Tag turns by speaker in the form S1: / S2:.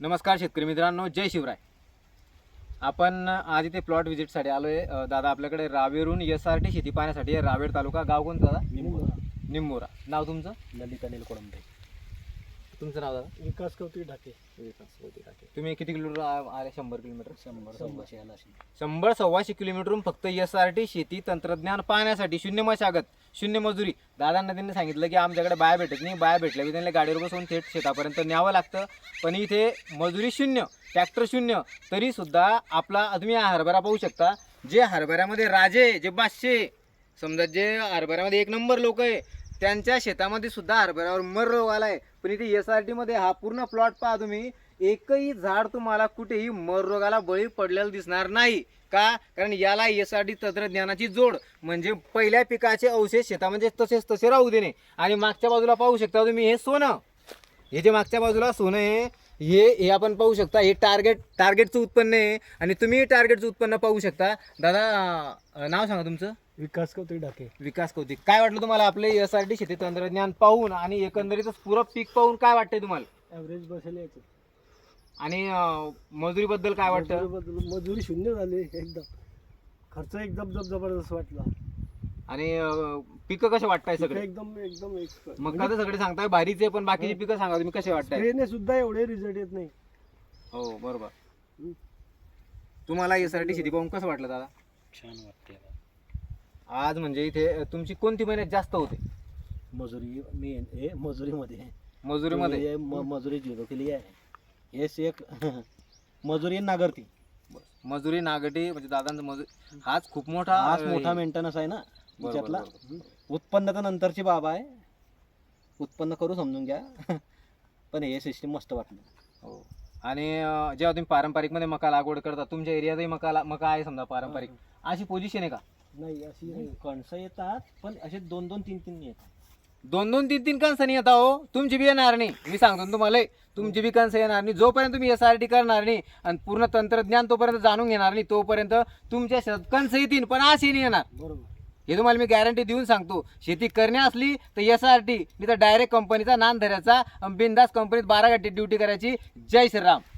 S1: नमस्कार शेतकरी मित्रांनो, जय शिवराय. आपण आज इथे प्लॉट व्हिजिटसाठी आलो आहे. दादा आपल्याकडे रावेरून SRT शेती पाहण्यासाठी आहे. रावेर तालुका, गाव कोणतं दादा? निंबोरा. नाव तुमचं?
S2: ललित अनिल कोळंबे.
S1: तुमचं नाव दादा?
S2: विकास कौतिक ढाके.
S1: तुम्ही किती किलोमीटर आले? 100 किलोमीटर.
S2: 100-100
S1: किलोमीटरून फक्त SRT शेती तंत्रज्ञान पाहण्यासाठी. शून्य मशागत, शून्य मजुरी. दादांना त्यांनी सांगितलं की आमच्याकडे बाया भेटत नाही, बाया भेटल्या की त्यांना गाडीवर बसवून थेट शेतापर्यंत न्यावं लागतं. पण इथे मजुरी शून्य, ट्रॅक्टर शून्य, तरी सुद्धा आपला तुम्ही हा हरभरा पाहू शकता. जे हरभऱ्यामध्ये राजे, जे बादशे, समजा जे हरभऱ्यामध्ये एक नंबर लोक आहे, त्यांच्या शेतामध्ये सुद्धा हरभऱ्यावर मर रोग आलाय. पण इथे SRT मध्ये हा पूर्ण प्लॉट पहा तुम्ही, एकही झाड तुम्हाला कुठेही मर रोगाला बळी पडलेलं दिसणार नाही. का? कारण याला SRT तंत्रज्ञानाची जोड म्हणजे पहिल्या पिकाचे अवशेष शेतामध्ये तसेच तसे राहू देणे. आणि मागच्या बाजूला पाहू शकता तुम्ही, हे सोनं, हे जे मागच्या बाजूला सोनं आहे, हे आपण पाहू शकता. हे टार्गेटचं उत्पन्न आहे. आणि तुम्ही टार्गेटचं उत्पन्न पाहू शकता. दादा नाव सांगा तुमचं?
S2: विकास कौतिक ढाके.
S1: विकास कौतिक. काय वाटलं तुम्हाला आपले SRT शेती तंत्रज्ञान पाहून आणि एकंदरीतच पुरं पीक पाहून काय वाटतंय तुम्हाला?
S2: ॲव्हरेज बसेल याचं.
S1: आणि मजुरीबद्दल काय वाटतं?
S2: मजुरी शून्य झाली एकदम. खर्च एकदम जबरदस्त वाटला.
S1: आणि पिकं कसे वाटताय सगळे?
S2: एकदम एकदम expert.
S1: मग का सगळे सांगताय भारीचे, पण बाकीची पिकं सांगा तुम्ही कसे वाटताय?
S2: ट्रेने सुद्धा एवढे रिझल्ट येत नाही.
S1: हो बरोबर. तुम्हाला SRT शेती पाहून कसं वाटलं दादा?
S2: छान वाटते.
S1: आज म्हणजे इथे तुमची कोणती मेहनत जास्त होते?
S2: मजुरीमध्ये मजुरी झिरो केली आहे. हेच एक मजुरी नागरती.
S1: मजुरी नागटी म्हणजे दादांचं मजुरी हाच खूप मोठा
S2: मेंटेनन्स आहे ना
S1: बरोबर,
S2: त्यातला.
S1: बरोबर.
S2: उत्पन्न तर नंतरची बाब आहे, उत्पन्न करू समजून घ्या. पण हे सिस्टीम मस्त वाटलं.
S1: हो. आणि जेव्हा तुम्ही पारंपरिक मध्ये मका लागवड करता, तुमच्या एरियातही मका आहे समजा पारंपरिक, अशी पोझिशन आहे का?
S2: नाही अशी कणसं येतात, पण असे 2-2, 3-3 येतात.
S1: 2-2, 3-3 कणसं येता हो. तुमची बी येणार नाही, मी सांगतो ना तुम्हाला. तुमची बी कणसं येणार नाही जोपर्यंत तुम्ही SRT करणार नाही आणि पूर्ण तंत्रज्ञान तोपर्यंत जाणून घेणार नाही, तोपर्यंत तुमच्या शेतात कणसं येतील पण अशी नाही येणार.
S2: बरोबर.
S1: हे तुम्हाला मी गॅरंटी देऊन सांगतो. शेती करणे असली तर SRT, नाही तर डायरेक्ट कंपनीचा नान धरायचा, बिंदास कंपनीत 12 घंटे ड्युटी करायची. जय श्रीराम.